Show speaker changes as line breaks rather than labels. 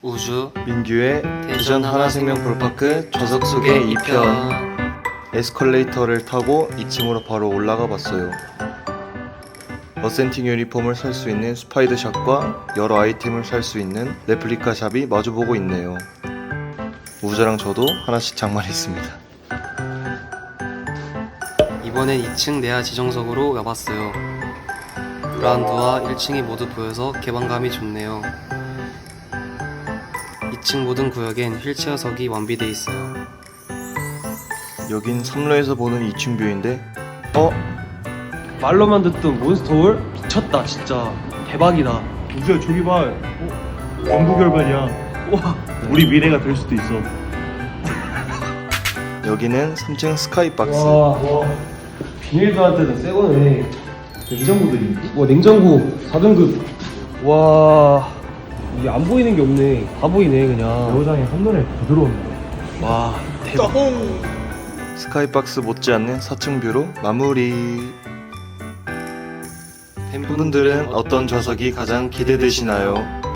우주
민규의 대전 하나생명 볼파크 좌석 속의 2편. 에스컬레이터를 타고 2층으로 바로 올라가 봤어요. 어센팅 유니폼을 살 수 있는 스파이더 샵과 여러 아이템을 살 수 있는 레플리카 샵이 마주보고 있네요. 우주랑 저도 하나씩 장만했습니다.
이번엔 2층 내야 지정석으로 가봤어요. 그라운드와 1층이 모두 보여서 개방감이 좋네요. 2층 모든 구역엔 휠체어석이 완비돼 있어요.
여긴 3로에서 보는 2층 뷰인데
말로만 듣던 몬스터월 미쳤다 진짜 대박이다.
우주야 저기 봐. 연구 결과냐?
와
우리 미래가 될 수도 있어.
여기는 3층 스카이박스.
와 비닐도한테는 새거네.
냉장고들이.
와 냉장고 4등급. 와 이게 안 보이는 게 없네. 다 보이네 그냥.
여장이 한눈에 부드러운데.
와 대박.
스카이박스 못지않는 4층 뷰로 마무리. 팬분들은 어떤 좌석이 가장 기대되시나요?